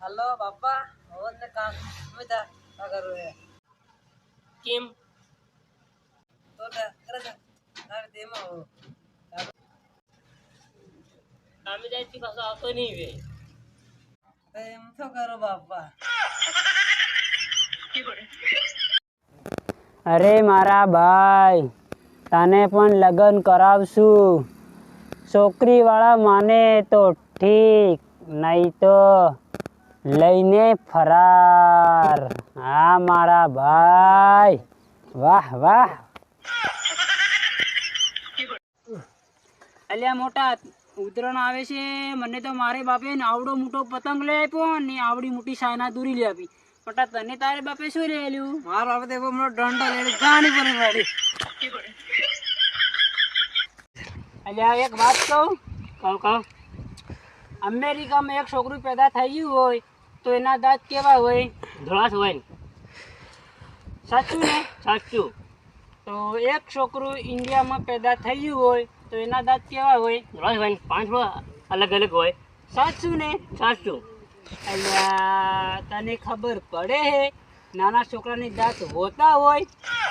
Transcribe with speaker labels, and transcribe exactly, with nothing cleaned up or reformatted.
Speaker 1: hello બાપા હવે ને કામ મજા અગર કેમ તો કરે છે તારે તેમાં હો કામે જાય છે પાછો આવતો નહીં વે એમ તો કરો બાપા
Speaker 2: અરે મારા ભાઈ તને પણ લગ્ન કરાવશું છોકરી વાળા માને તો ઠીક નહીં તો લઈને ફરાર હા મારા ભાઈ વાહ વાહ અલ્યા મોટા ઉતરાણ આવે છે મને તો મારે બાપે ને આવડો મોટો પતંગ લઈ આપ્યો ને આવડી મોટી સાયના દોરી લઈ આપી મોટા તને તારે બાપે શું લઈ આલ્યું
Speaker 1: મારો બાપે તો મોટો દંડો લઈને ગાડી પર ગાડી
Speaker 2: અલ્યા એક વાત કહું કહું કહું અમેરિકામાં એક છોકરું પેદા થઈ ગયું હોય તો એના દાંત કેવા હોય
Speaker 1: ધોળા હોય ને
Speaker 2: સાચું ને
Speaker 1: સાચું
Speaker 2: તો એક છોકરું ઇન્ડિયામાં પેદા થઈ ગયું હોય તો એના દાંત કેવા હોય
Speaker 1: ધોળા હોય ને પાંચ અલગ અલગ હોય
Speaker 2: સાચું ને
Speaker 1: સાચું
Speaker 2: અલ્યા તને ખબર પડે હે નાના છોકરાની દાંત હોતા હોય